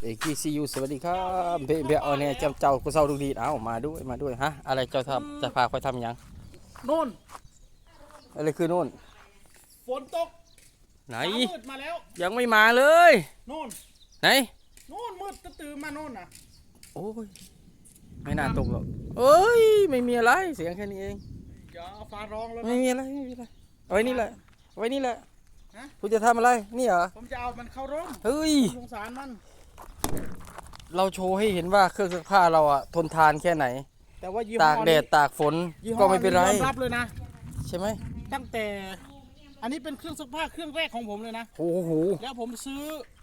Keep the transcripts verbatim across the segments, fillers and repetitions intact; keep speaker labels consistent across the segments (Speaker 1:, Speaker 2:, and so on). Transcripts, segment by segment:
Speaker 1: เอกีซียูสวัสดีครับเบเบเอาเนี่ยเจ้าเจ้ากูเศร้าดูดีเอ้ามาด้วยมาด้วยฮะอะไรเจ้าทำจะพาคอยทำยัง
Speaker 2: โน่น
Speaker 1: อะไรคือโน่น
Speaker 2: ฝนตก
Speaker 1: ไหน
Speaker 2: มืดมาแล้ว
Speaker 1: ยังไม่มาเลย
Speaker 2: โน่น
Speaker 1: ไหน
Speaker 2: โน่นมืดตื่นมาโน่นน่ะ
Speaker 1: โอ้ยไม่น่าตกหรอกเอ้ยไม่มีอะไรเสียงแค่นี้เอง
Speaker 2: อย่าฟ้าร้องแล้ว
Speaker 1: ไม่มีอะไรไม่มีอะไรเอาไว้นี่แหละเอาไว้นี่แหละคุณจะทำอะไรนี่เหรอ
Speaker 2: ผมจะเอามันเข้าร่ม
Speaker 1: เฮ้ย
Speaker 2: สงสารมัน
Speaker 1: เราโชว์ให้เห็นว่าเครื่องซักผ้าเราอะทนทานแค่ไหน
Speaker 2: แต่ว่า
Speaker 1: ตากแดดตากฝนก็ไม่เป็นไร
Speaker 2: ยอมรับเลยนะ
Speaker 1: ใช่ไหม
Speaker 2: ตั้งแต่อันนี้เป็นเครื่องซักผ้าเครื่องแรกของผมเลยนะ
Speaker 1: โอ้โห
Speaker 2: แล้วผมซื้อ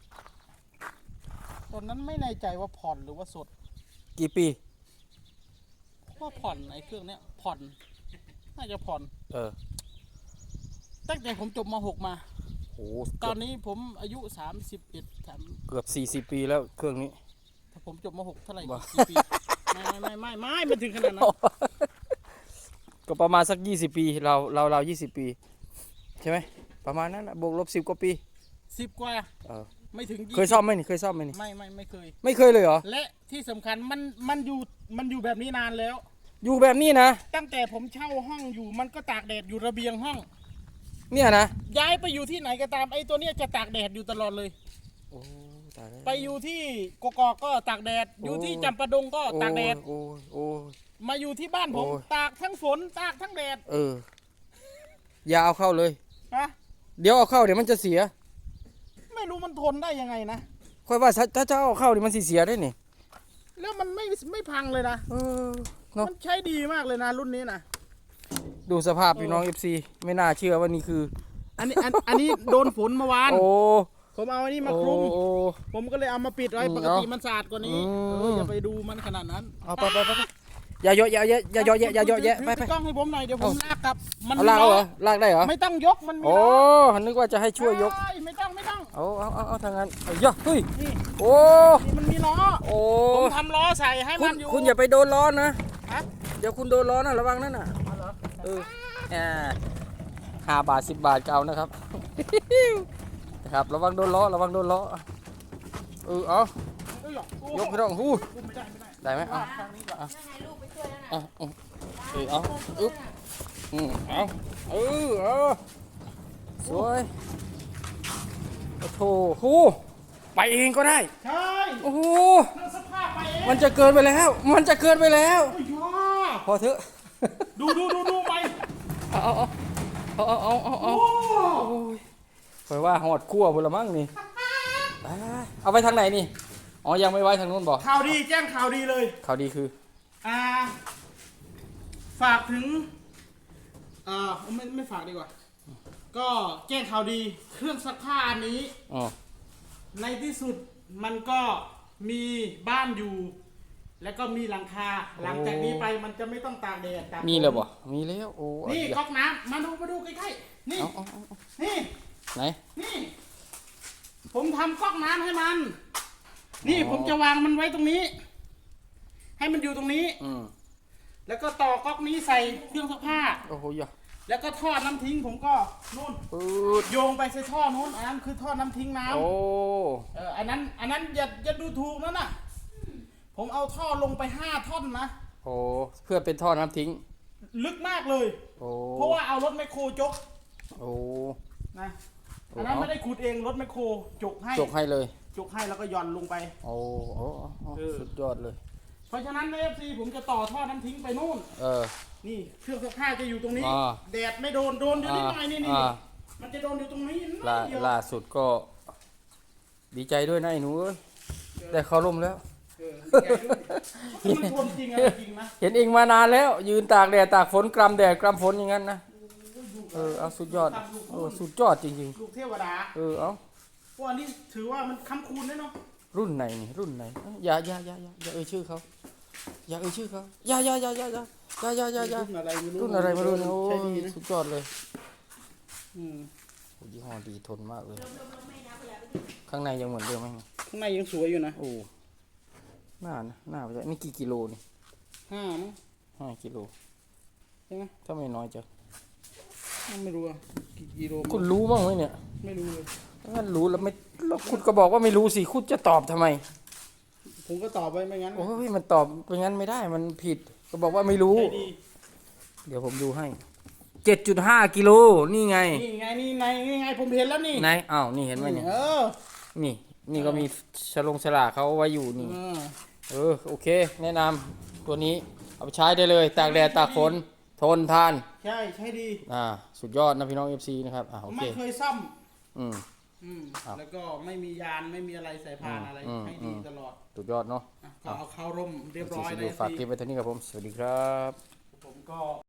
Speaker 2: ตอนนั้นไม่แน่ใจว่าผ่อนหรือว่าสด
Speaker 1: กี่ปี
Speaker 2: ว่าผ่อนไอ้เครื่องเนี้ยผ่อนน่าจะผ่อน
Speaker 1: เออ
Speaker 2: ตั้งแต่ผมจบม หก มา
Speaker 1: โอ้
Speaker 2: ตอนนี้ผมอายุสามสิบเอ็ด
Speaker 1: เกือบสี่สิบปีแล้วเครื่องนี้
Speaker 2: ถ้าผมจบม หก เท่าไหร่กี่ปีไม่ไม่ไม่ไม่ไม่ถึงขนาดนั้น
Speaker 1: ก็ประมาณสักยี่สิบปีเราเราเรายี่สิบปีใช่ไหมประมาณนั้นบวกลบสิบกว่าปี
Speaker 2: สิบกว่า
Speaker 1: เออ
Speaker 2: ไม่ถึง
Speaker 1: เคยซ่อมไหมนี่เคยซ่อมไหมนี่
Speaker 2: ไม่ไม่ไม่เคย
Speaker 1: ไม่เคยเลยเหรอ
Speaker 2: และที่สำคัญมันมันอยู่มันอยู่แบบนี้นานแล้ว
Speaker 1: อยู่แบบนี้นะ
Speaker 2: ตั้งแต่ผมเช่าห้องอยู่มันก็ตากแดดอยู่ระเบียงห้อง
Speaker 1: เนี่ยนะ
Speaker 2: ย้ายไปอยู่ที่ไหนก็ตามไอ้ตัวเนี้ยจะตากแดดอยู่ตลอดเลย
Speaker 1: โอ้ตายแล้ว
Speaker 2: ไปอยู่ที่กกอกก็ตากแดดอยู่ที่จำปาดงก็ตากแดด
Speaker 1: โอ้โอ้
Speaker 2: มาอยู่ที่บ้านผมตากทั้งฝนตากทั้งแดด
Speaker 1: เอออย่าเอาเข้าเลย
Speaker 2: ฮะ
Speaker 1: เดี๋ยวเอาเข้าเดี๋ยวมันจะเสีย
Speaker 2: ไม่รู้มันทนได้ยังไงนะ
Speaker 1: ค่อยว่าถ้าเจ้าเอาเข้าเดี๋ยวมันเสียได้นี่
Speaker 2: แล้วมันไม่ไม่พังเลยนะ
Speaker 1: เออเนาะ
Speaker 2: มันใช้ดีมากเลยนะรุ่นนี้นะ
Speaker 1: ดูสภาพพี่น้อง เอฟ ซี ไม่น่าเชื่อว่านี่คือ
Speaker 2: อันนี้อันนี้โดนฝนเมื่อวาน
Speaker 1: โอ้
Speaker 2: ผมเอาอันนี้มาคลุมผมก็เลยเอามาปิดไว้ปกติมันสะอาดกว่านี้อย่าไปดูมันขนาดนั้น
Speaker 1: เอาไปไปไปอย่าเยอะอย่าเยอะอย่าเยอะอย่าเยอะแยะไปไป
Speaker 2: กล้องให้ผมหน่อยเดี๋ยวผมลากกลับ
Speaker 1: มันลากเหรอลากได้เหรอ
Speaker 2: ไม่ต้องยกมัน
Speaker 1: โอ้นึกว่าจะให้ช่วยยก
Speaker 2: ไม่ต้องไม่ต้อง
Speaker 1: เอาเอาเอาเอาทางนั้นเยอะเฮ้ยโอ้
Speaker 2: มันมีล้อ
Speaker 1: โอ้
Speaker 2: ผมทำล้อใส่ให้มันอยู่
Speaker 1: คุณอย่าไปโดนล้อนะเดี๋ยวคุณโดนล้อนะระวังนั่นน่ะเออห้าบาทสิบบาทเก่านะครับนะครับระวังโดนล้อระวังโดนล้อเออเอายกพี่น้องหูได้ไหมเอาเอาเอาเออเอาอึ๊บอืมเอาเออเอาสวยโอ้โหหูไปเองก็ได้
Speaker 2: ใช่
Speaker 1: โอ้โหมันจะเกินไปแล้วมันจะเกินไปแล้วพอเถอะ
Speaker 2: ดูดูดูดูไป
Speaker 1: เอาเอาเอาเอาเอาเอาเอาคอยว่าหอดขั้วบนละมั้งนี่เอาไปทางไหนนี่อ๋อยังไม่ไว้ทางนู้นบอก
Speaker 2: ข่าวดีแจ้งข่าวดีเลย
Speaker 1: ข่าวดีคือ
Speaker 2: อ่าฝากถึงอ่าไม่ไม่ฝากดีกว่าก็แจ้งข่าวดีเครื่องซักผ้าอันนี้
Speaker 1: อ๋อ
Speaker 2: ในที่สุดมันก็มีบ้านอยู่แล้วก็มีหลังคาหลังจากนี้ไปมันจะไม่ต้องตากแดดตาก
Speaker 1: มีเลยบ่มีแล้วโอ้
Speaker 2: นี่ก๊อกน้ำมาดูมาดูใกล้ๆนี่นี่
Speaker 1: ไหน
Speaker 2: นี่ผมทำก๊อกน้ำให้มันนี่ผมจะวางมันไว้ตรงนี้ให้มันอยู่ตรงนี้แล้วก็ต่อก๊อกนี้ใส่เครื่องซักผ้า
Speaker 1: โอ้โหย
Speaker 2: แล้วก็ท่อน้ำทิ้งผมก็นู่นโยงไปใส่ท่อนู้นอันนั้นคือท่อน้ำทิ้งน้ำ
Speaker 1: โอ้
Speaker 2: เอออันนั้นอันนั้นอย่าอย่าดูถูกนั่นน่ะผมเอาท่อลงไปห้าท่อนนะ
Speaker 1: โอ้เพื่อเป็นท่อน้ำทิ้ง
Speaker 2: ลึกมากเลย
Speaker 1: โอ้
Speaker 2: เพราะว่าเอารถแมคโครจก
Speaker 1: โอ้
Speaker 2: นะอันนั้นไม่ได้ขุดเองรถแมคโครจกให้
Speaker 1: จกให้เลย
Speaker 2: จกให้แล้วก็ย่อนลงไป
Speaker 1: โอ้โอ้สุดยอดเลย
Speaker 2: เพราะฉะนั้นใน เอฟ ซี ผมจะต่อท่อน้ำทิ้งไปนู่น
Speaker 1: เออ
Speaker 2: นี่เครื่องซักผ้าจะอยู่ตรงนี้แดดไม่โดนโดนอยู่นิดหน่อยนี่นี่มันจะโดนอยู่ตรงนี้
Speaker 1: ล่าล่าสุดก็ดีใจด้วยนะไอ้หนูได้เข้าร่มแล้ว
Speaker 2: มันทนจริงอะไรจริงนะ
Speaker 1: เห็นเองมานานแล้วยืนตากแดดตากฝนกรำแดดกรำฝนอย่างนั้นนะเออเอาสุดยอดเออสุดยอดจริง
Speaker 2: ๆลูกเทวดา
Speaker 1: เออเอา
Speaker 2: พวกนี้ถือว่ามันค้ำคูณได้เนาะ
Speaker 1: รุ่นไหนนี่รุ่นไหนอย่าอย่าอย่าอย่าอย่าเอ่ยชื่อเขาอย่าเอ่ยชื่อเขาอย่าอย่าอย่าอย่าอย่าอย่าอย่าอย่ารุ่นอะไรไม่รู้โอ้สุดยอดเลย
Speaker 2: อืม
Speaker 1: ยี่ห้อดีทนมากเลยข้างในยังเหมือนเดิมไหม
Speaker 2: ข้างในยังสวยอยู่นะ
Speaker 1: โอ้หน้านะหน้าไปจะนี่กี่กิโลนี่
Speaker 2: ห้ามั้ง
Speaker 1: ห้ากิโล
Speaker 2: ใช่ไหม
Speaker 1: ถ้าไม่น้อยจะ
Speaker 2: ไม่รู้อะกี่กิโล
Speaker 1: คุณรู้บ้างไหมเนี่ย
Speaker 2: ไม่รู้เลย
Speaker 1: งั้นรู้แล้วไม่แล้วคุณก็บอกว่าไม่รู้สิคุณจะตอบทำไม
Speaker 2: ผมก็ตอบไปไม่งั้น
Speaker 1: โอ้ยมันตอบเป็นงั้นไม่ได้มันผิดก็บอกว่าไม่รู้
Speaker 2: ใจดี
Speaker 1: เดี๋ยวผมดูให้เจ็ดจุดห้ากิโลนี่ไง
Speaker 2: นี่ไงนี่ไงนี่ไงผมเห็นแล้วนี่
Speaker 1: ไหนอ้าวนี่เห็นไหมเนี่ย
Speaker 2: เออ
Speaker 1: นี่นี่ก็มีฉลงฉลากเขาไว้อยู่นี่
Speaker 2: เออ
Speaker 1: เออโอเค แนะนำตัวนี้เอาไปใช้ได้เลยตากแดดตากฝนทนทาน
Speaker 2: ใช่ใช่ดี
Speaker 1: อ่าสุดยอดนะพี่น้อง เอฟ ซี นะครับอ่า
Speaker 2: ผ
Speaker 1: โอ
Speaker 2: ม
Speaker 1: เค
Speaker 2: ไม่เคยซ่อม
Speaker 1: อืม
Speaker 2: อืม
Speaker 1: ครับ
Speaker 2: แล้วก็ไม่มียานไม่มีอะไรใส่พานอะไร
Speaker 1: อืม
Speaker 2: ให้
Speaker 1: อื
Speaker 2: ดี
Speaker 1: ม
Speaker 2: ตลอด
Speaker 1: สุดยอดเนาะ
Speaker 2: อ่ะก็เอาเข้าร่มเรียบร้อย
Speaker 1: ที่
Speaker 2: เล
Speaker 1: ดู
Speaker 2: ย
Speaker 1: ฝากคลิปไว้เท่านี้ครับผม สวัสดีครับ
Speaker 2: ผมก็